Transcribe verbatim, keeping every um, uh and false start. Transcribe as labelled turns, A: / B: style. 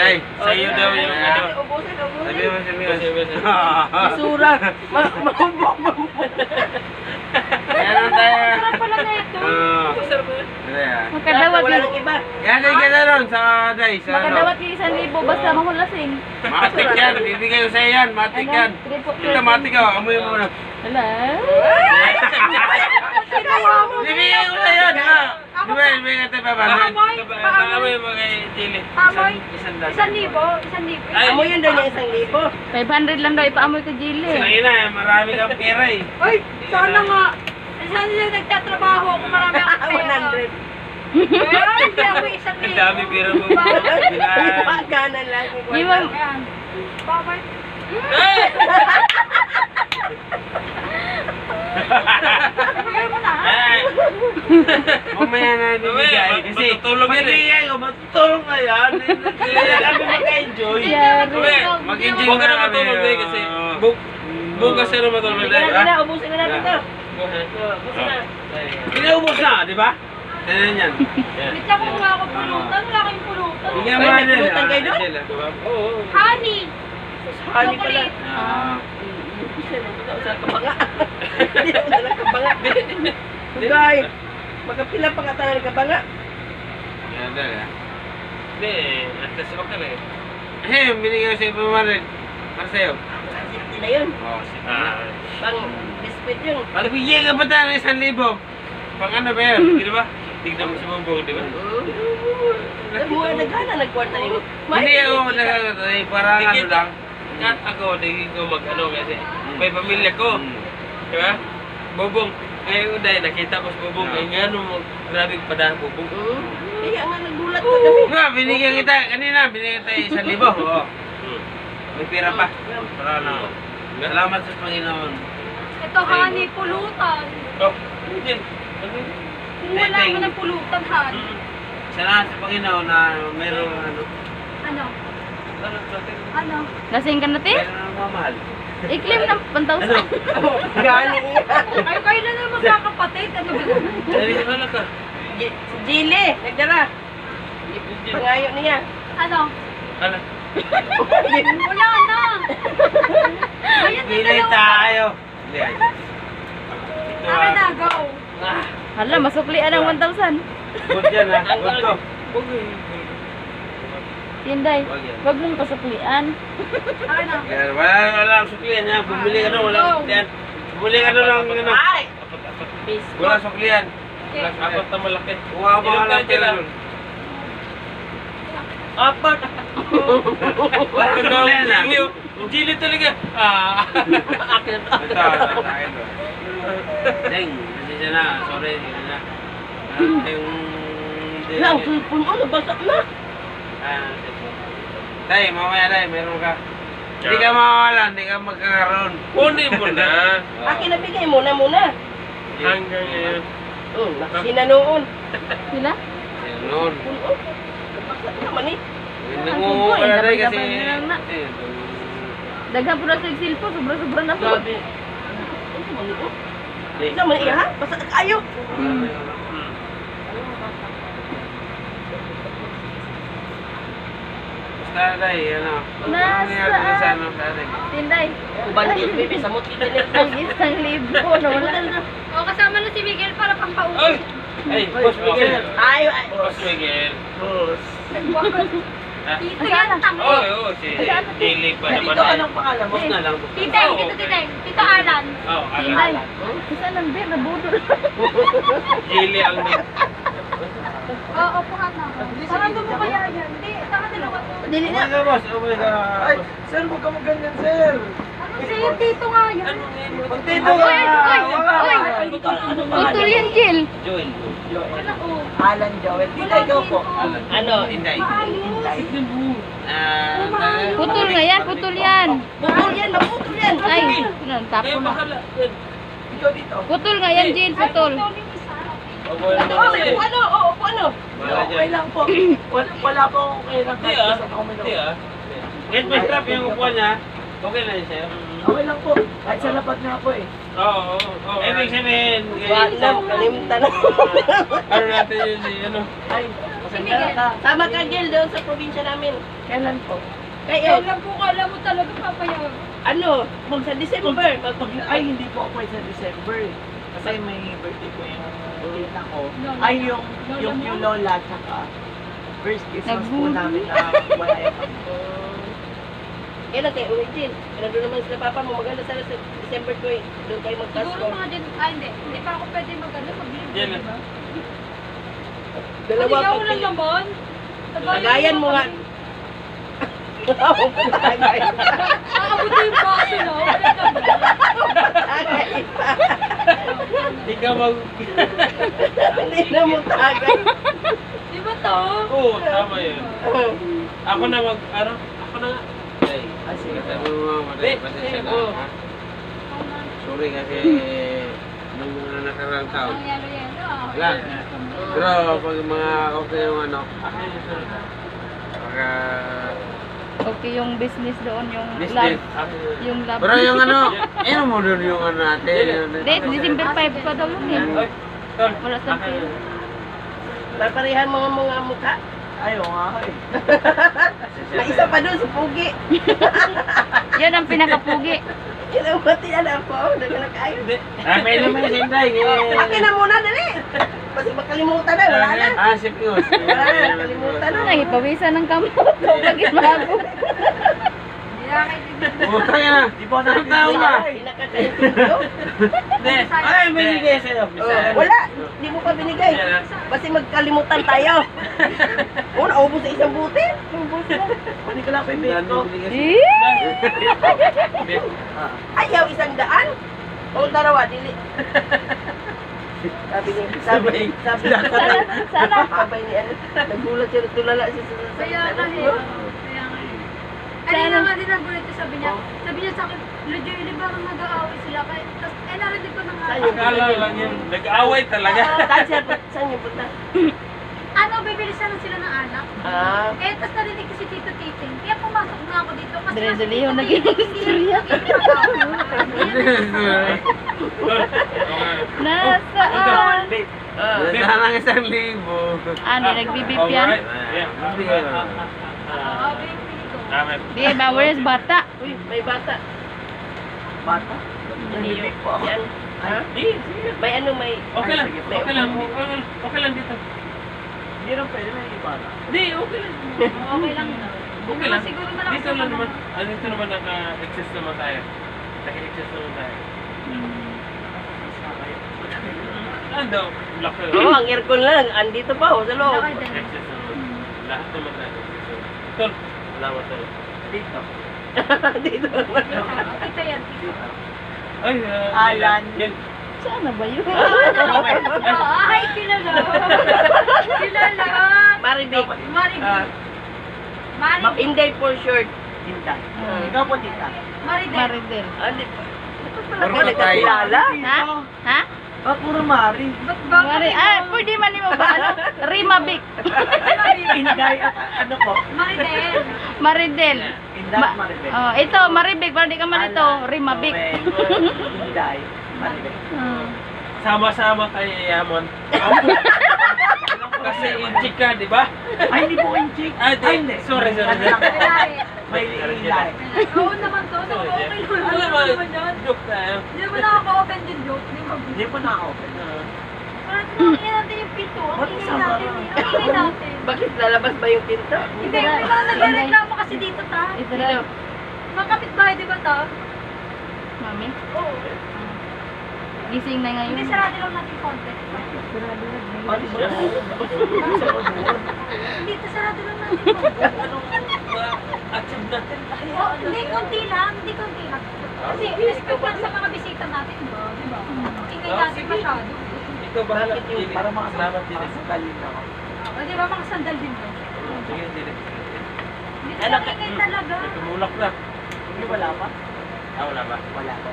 A: Day, sa'yo daw yung ano.
B: Ubusin, ubusin.
A: Sabi mo, sabi mo.
B: Basura. Mahumbong.
A: Meron tayo.
C: Sarap pala na ito.
A: Oo.
B: Wala
C: Makadawat
B: wala
C: yung...
B: nang iba.
A: Yan, ay ka na ron sa Day. Sa ano.
C: Makadawat yung isang libo basta mahulasing.
A: Matik yan, bibigay ko sa'yo yan, matik yan. Ito, matik ka, amoy mo na.
C: Wala.
A: Bibigay ko sa'yo, di ba? Di ba, bibigay natin pa ba?
C: Paamoy,
A: Paamoy mo kay Chili.
C: Paamoy.
A: Isang dasan.
C: Isang libo, isang libo.
B: Amo yun daw niya isang libo.
C: five hundred lang daw ipaamoy ko Jilly.
A: Sige na, marami kang pera eh.
C: Ay, sana nga. Sana sila nagtatrabaho ako, marami akong pera.
B: one hundred.
C: Ay, hindi ako isang
A: Ang
C: libo.
A: dami pera mo.
B: Pagkanan lang.
C: Di ba? Paamoy. Ibigay mo na.
A: Ay! Mamaya na bibigay. Kasi matutulog yan eh. Ko, matutulog na yan. Kaya kami mag-enjoy. Mag-enjoy
D: Huwag ka na matulog eh kasi bu- bukas ka na matulog
B: Ubusin
D: eh.
B: na, na, ubusin na natin ito.
A: Ubusin na. Pinaubos na, di ba? Ganyan yan.
C: Wait lang kung wala akong pulutan. Wala kayong pulutan.
A: Bigyan
B: Ay,
A: mo
B: may
A: na
B: pulutan kayo doon?
D: Oo.
C: Honey.
B: Honey pala.
C: Chocolate.
A: Ah.
B: Sa kabanga. Hindi ako dala kabanga. Guys, magkapila pa nga tayo ng kabanga.
A: Yan talaga.
D: Hindi eh. At least okay na eh.
A: Eh, binigyan ko sa iba mo rin. Para sa'yo.
B: Hindi na yun.
A: Oo, sige.
D: Ah.
B: Pang biscuit yun.
A: Para bigyan ka pa tayo ng isang libo. Pang ano ba yun?
D: Di ba? Tignan mo si Bubong, di ba?
B: Nabuhay na gana, nagkwarta yung...
A: Hindi ako nagkakatay. Parang ano
D: Tigit-
A: lang.
D: Kat ako, di ko mag-ano kasi may pamilya ko.
A: Hmm.
D: Di ba? Bubong. Ngayon dahil nakita ko si Bubong.
A: Ah.
D: Ay nga no, grabe pa Bubong.
B: Hmm. Kaya nga nagulat ka kami.
A: Nga, binigyan kita. Kanina, binigyan kita isang libo. Oo.
D: Hmm.
A: May pira pa. Para na. Salamat sa Panginoon.
C: Ito, honey, pulutan.
D: Oh, hindi.
C: Kung wala ka ng pulutan, honey.
A: Salamat sa Panginoon na mayroong ano.
C: Ano?
D: Ano natin?
C: Ano?
E: Lasing ka natin?
A: Mayroong nagmamahal.
E: I-claim ng one thousand.
B: Gani niya.
C: Ay, kayo na naman magkakapatid. Ano ba?
D: Dali ka na ka.
B: Si Jilly, nagdara. Pangayo niya.
C: Ano?
D: Ano?
C: Wala na. Ayan na
A: Pilay
C: dalawa.
A: tayo. Hindi. Ito
C: Akin na,
A: ah.
C: go.
E: Hala, masuklian ng one thousand.
A: Good yan ha. Good to.
E: Tinday,
A: Wag yan.
E: wag mong pasuklian.
C: Akin na.
A: Yan, wala wala ang suklian ha. Bumili ka doon. Wala
C: Go.
A: suklian. Bumili ka doon ng ano.
B: Ay!
A: Wala suklian.
C: Okay.
D: Apat na malaki.
A: Kuha mo
D: Ilan
A: ka lang
D: tayo
A: pera
D: dyan?
A: doon.
B: Apat!
A: Wala suklian ha.
D: Jili, Jili talaga. Ah.
B: Akin
A: Ito, ito, sa akin to. Deng, pasensya na. Sorry. Ano na. Ah, yung...
B: Wala, ang cellphone mo, nabasa na.
A: Ah, Tay, mamaya tay, meron ka. Hindi ka mawawala, hindi ka magkakaroon.
D: Kunin mo na.
B: Akin na bigay muna muna.
D: Hanggang ngayon.
B: Hmm, nakasina noon.
E: Sila?
A: Yan noon.
B: Puno. Nabasa na naman eh.
A: Nangungo ka na tay kasi...
E: Gabay-gabay na lang na.
A: Eh,
E: Daghan po na sa cellphone, sobra-sobra na po.
B: Grabe. Isa man iya ha? Basta kayo.
A: Basta tay, ano.
E: Nasaan?
A: Ano nangyari sa ano, tatay?
E: Tinday,
B: Kubandi, baby, sa muti din
E: ang isang libo na wala na.
C: O, kasama na si Miguel para
D: Ay!
C: pampauwi.
D: Ay, Boss Miguel.
B: Ay, ay.
D: Boss Miguel.
C: Dito yan, tango.
D: Oo, oo, si Jili pa naman.
B: Dito anong pangalan mo?
A: Boss na lang. boss.
C: Titeng, dito titeng. Tito Alan.
D: Oo,
E: Tinday,
D: alam.
E: isa ng beer na budol.
D: Jili ang
C: Oo, upuhan na. Parang doon mo kaya yan. Hindi, tama dalawa to.
B: Dili
A: Oh
B: na.
A: my God, boss. Oh my God.
F: Ay, sir, huwag ka ganyan, sir.
C: Ano sa'yo, tito nga yan?
F: Dito
E: Uy,
F: ka.
E: uy, uy. Putol yan, Jill.
A: Joel.
C: Wala, oh.
F: Alan Joel. Dito ikaw po.
A: Alan.
B: Ano?
A: Inday.
C: Maayos.
A: Ah, ah,
E: Putol nga yan, putol yan.
B: Bukol yan, mabukol yan.
E: Ay, tapo
D: Kaya
E: na.
D: bahala.
F: Ikaw dito.
E: Putol nga yan, Jill, putol.
C: Ito yung isa.
B: Ano, upo ano? Oo, upo ano?
F: Okay lang po. Wala, wala po akong kailan.
D: Hindi ah. Hindi ah.
A: Kahit may strap yung upuan niya, okay na yun sa'yo.
F: Okay lang po. Kahit sa lapat nga po eh.
D: Oo, oo, oo.
A: Ibig sabihin,
B: Wala, kalimutan na.
D: Ano natin yun si ano?
F: Ay, Pasensya
C: Miguel.
F: ka.
B: Sama ka, Gil, doon sa probinsya namin.
F: Kailan po?
B: Kayo,
C: Alam po, kala mo talaga papayaw.
B: ano, mag sa December. Mag,
F: Pag, ay, hindi po ako pwede sa December. Kasi may birthday ko yung tita ko.
C: Lola
F: Ay,
C: mo?
F: yung,
C: Lola
F: yung,
C: mo?
F: yung lola, tsaka first Christmas po
E: Nagbuli.
F: namin na wala kami.
B: kailan kayo uwi, Gil? Nandun naman sila papa mo. Maganda sana sa December ko eh. Doon kayo
C: Siguro
B: mag-Pasko.
C: mga din, ah hindi, hindi pa ako pwede mag-ano, mag-live,
D: Yan
C: di
D: na.
C: ba?
B: Dalawa
C: Ikaw
B: pag
C: lang naman.
B: Lagayan mo nga. Tagay.
C: Aabuti yung baso, no? Wala ka ba?
B: Tagay pa.
D: Hindi ka mag...
B: Hindi na mo tagay.
C: Di ba to?
D: Oo, tama yun. Ako na mag... Ano? Ako na nga. Ay,
F: Ah, sige.
D: sabi mo mga maday, pasensya na. ha? Sorry kasi nung mga nakaraang taon.
C: Ang yelo-yelo, ah.
D: Wala. Pero pag mga okay yung ano, akin yung sunod. Pagka...
E: Okay yung business doon, yung
D: Business.
E: love.
D: akin yun.
E: Yung love.
D: Pero yung ano, ano mo doon yung ano natin? yung-
E: Hindi, December five pa daw yun eh.
D: Ay, tol,
E: Wala sa
D: akin
E: pera.
D: yun.
B: Paparihan mga mga mukha.
F: Ayaw nga ako eh.
B: May isa pa doon, si Pugi.
E: Yan ang pinakapugi.
B: Kinabati na ako. Nagkanak kayo.
D: Ah, may naman yung sinday.
B: Akin na muna, dali. Kasi makalimutan na, wala na.
D: Ah, si Pius.
B: Wala na, nakalimutan na.
E: Nangipawisan ng kamot. Pag ismago.
C: Hindi na kayo din.
D: Utang yan ah.
F: Di ba na
D: Tao ka.
B: Pinakakaintindi.
D: Hindi. Ay, may bigay sa'yo.
B: Oh, wala, di mo pa binigay. Kasi magkalimutan tayo. Oo, naubos sa isang buti.
F: Hindi ko lang pa ibig ko.
E: Eh?
B: Ayaw, isang daan. O, darawa, dili. Sabi ni, sabi ni, sabi ni,
E: Sana, sana.
B: sabay ni, ano, nagulat siya, tulala siya sa sa-
C: Kaya nga eh. Kaya nga eh. Kanina nga din nagulat ko, sabi niya, sabi niya sa akin, Lujo, hindi ba kang nag-aaway sila? Kaya, tas, eh, narinig ko na nga.
B: Sa'yo.
D: Akala lang yun. Nag-away talaga.
B: Saan siya, saan yung punta?
C: Ano, bibilisan na sila ng anak?
B: Ah,
C: Eh, tas narinig ko si Tito Titing. Kaya pumasok na ako dito. Kasi
E: Dire-dire
C: si Tito
E: yung naging
C: Titing, hindi na
E: Nasaan?
B: ah.
D: Nasaan ang isang libo.
E: Ano, nagbibip yan?
D: Yeah.
C: Oo, baby ko.
D: Tama.
E: Di ba, where's bata?
B: Uy, may bata.
F: Bata. Nanibig po ako.
B: Yan. Ha?
D: Di, sige.
B: May ano, may...
D: Okay lang. Okay lang. Okay lang. Okay lang dito.
F: Hindi rin pwede may iba na.
D: Di, okay lang.
C: Okay lang na.
D: Okay lang.
C: Siguro malakas
D: Dito lang
C: naman.
D: naman. Ah, dito naman naka-exist naman tayo. Naka-exist naman tayo. Ano? Laki.
B: Oo, ang aircon lang. Andito pa, oh, sa loob.
C: Laki din.
D: Exist naman. Lahat naman tayo. Tol, salamat tol.
F: Dito.
B: Dito naman.
C: Kita yan.
D: Ay, ah,
F: Alan.
D: Yan.
E: Saan na ba yun?
C: Ay, kilala. Kilala.
B: Maribig.
C: Maribig.
F: Ah,
C: Maribig.
B: Inday for short.
F: Tinta. Ikaw po, tita.
C: Maridel.
E: Maridel.
B: Ah, di ba? Ito pala
D: Puro
B: ko nagkakilala.
E: Ha? Ha?
F: Ah, puro Mari.
C: Ba't ba?
E: Mari, ah, pwede man mo ba? Ano? Rimabic.
F: Inday, ah, ano po?
C: Maridel.
E: Maridel.
F: Inday,
E: Ma-
F: Maribel.
E: oh, ito, Maribig. Para di ka man ito. Rimabic.
F: Inday, Maribel.
E: Hmm.
D: Sama-sama tayo yamon. Kasi inchik ka, di ba?
F: Ay, hindi po inchik.
D: Ah, di. Sorry, sorry.
F: Ano lang po?
C: Kulay.
F: May Inday.
C: Oo naman to. So, okay naman.
D: Alam
C: Ano
D: mo,
C: naman yun?
D: joke tayo.
C: Hindi mo nakaka-open din joke. Di ba?
F: Hindi po na-open.
C: Parang tinangin natin yung pinto. Ang
F: Ba't
C: ingay
F: sama?
C: natin eh. Ang ingay natin.
B: Bakit lalabas ba yung pinto?
C: Hindi, may mga nagre-reklamo kasi dito ta.
E: Ito na.
C: Mga kapitbahay, di ba ta?
E: Mami,
C: Oo.
E: gising na ngayon.
C: Hindi, sarado lang natin konti.
F: Ano siya?
C: Hindi, ta, sarado lang natin konti.
D: Achieve natin tayo.
C: Oh, hindi, konti lang. Hindi, konti lang. Kasi, respect lang sa mga bisita natin, ba? Di ba? Ingay
D: Oh,
C: natin
D: sige.
C: masyado.
D: Ikaw bahala.
B: Bakit yung
D: Dili.
F: Para mga
D: Salamat, Dili.
F: sandalin ako.
C: O, di ba, mga sandal din to?
D: Sige, Dili.
C: Hindi, talaga ingay talaga.
D: Tumulak na.
F: Hindi wala pa?
D: Ah, wala ba?
F: Wala pa.